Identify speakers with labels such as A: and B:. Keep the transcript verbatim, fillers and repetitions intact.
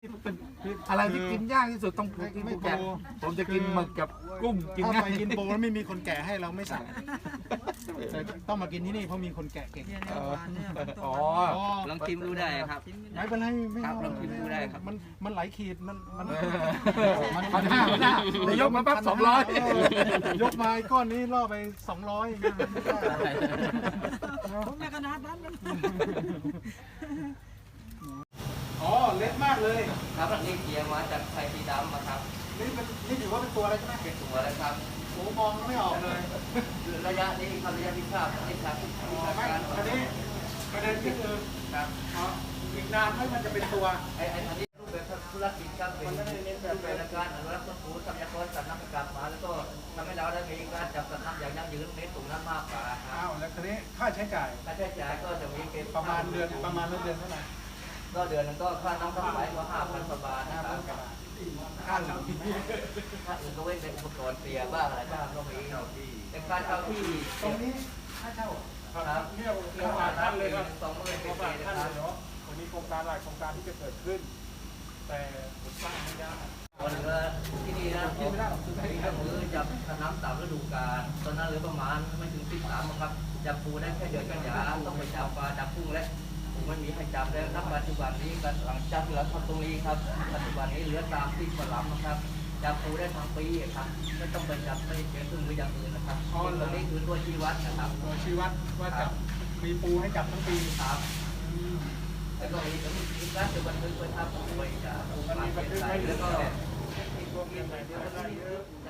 A: อะไรที่กินยากที่สุดต้องกินไม่แกะผมจะกินหมึกกับกุ้งกิน
B: ถ้า
A: ง่า
B: ไป
A: ย
B: กินโปแล้วไม่มีคนแก่ให้เราไม่สั่งแต่ต้องมากินที่นี่เพราะมีคนแก่เก่ง
A: อ๋อ
C: ลองชิมดูได้ครับ
B: ไม่เป็นไรไม่
C: ครับ
B: เอา
C: ลองชิมดูได้ครับ
B: มันมันไหลขีดมันมัน
A: มันพันห้าพันห้านายกมาปั๊บสองร้อย
B: ยกมาไอ้ก้อนนี้ล่อไปสองร้อย
D: ผมไม่ขนาดนั้นนะ
B: อ๋อเล็กมากเลย
C: ครับอันนี้เกียร์มาจากไทยสีดำนะครับ
B: นี่เป็นนี่ถือว่าเป็นตัวอะไรใช่ไหม
C: เป็นตัวอะไรครับ
B: โอ้มองไม่ออกเลย
C: ระยะนี้ครับระยะที่ทราบที่ทราบที่
B: อ๋อ
C: ทราบ
B: ไม่
C: การ
B: อันนี้ประเด็นก็คือ
C: ครับ
B: อ๋ออีกนานไหมมันจะเป็นตัว
C: ไอ้ไอ้อันนี้รูปแบบธุรกิจครับเป็นรูปแบบการอนุรักษ์ต้นทุนทรัพยากรสัตว์น้ำกลับมาแล้วก็ทำให้เราได้มีการจับสัตว์น้ำอย่างยั่งยืนเน้นตรงนั้นมากกว่าครั
B: อ้า
C: บ
B: วแล้วทีนี้ค่าใช้จ่าย
C: ค่าใช้จ่ายก็จะมีเป็น
B: ประมาณเดือนประมาณเดือนเท่าไหร่
C: ก็เดือนนึงก็ค่าน้ำค่าไฟก็ห้าพันกว่าบาทนะ
B: ห้า
C: ค
B: พั
C: รั
B: น
C: บ
B: กว่าบาทค่าหลังที่นี่
C: ถ้าอื่นก็เว้นเป็นอุปกรณ์เปียบ้างอะไรบ้างก็มีเป็นการเช่าที่
B: ตรงนี้ค่าเช่า
C: ครับ
B: เนี่ยโครงการท่านเลยครับ
C: สองหมื่น
B: โค
C: เป็
B: ร
C: น
B: ง
C: ปี
B: การ
C: นะ
B: ท่าน
C: ค
B: เล
C: รับ
B: ยเนาะวันนี้โครงการหลายโครงการที่จะเกิดขึ้น แต่ผมสร้างไม่ได้
C: วันเรือที่นี่นะผมที่ก็คือจับน้ำตามฤดูกาลตอนนั้นเหลือประมาณไม่ถึงสิบสามครับจับปูได้แค่เดือนกันยาต้องไปจับปลาจับกุ้งและผมไม่มีให้จับแล้วณปัจจุบันนี้กันหลังจากที่เราทำตรงนี้ครับปัจจุบันนี้เหลือตามที่ฝรั่งนะครับจับปูได้ทั้งปีครับไม่ต้องไปจับไปเปลี่ยนเครื่องมืออย่างอื่นนะครับตรงนี้คือตัวชี้วัดนะครับ
B: ตัวชี้วัดว่าจับมีปูให้จับทั้งปี
C: ครับแล้วก็มีมีการจะบันทึกไว้ครับไว้จะปูมาเปลี่ยนใส่แล้วก็
B: รวมเงินไหนเดียวก็ได้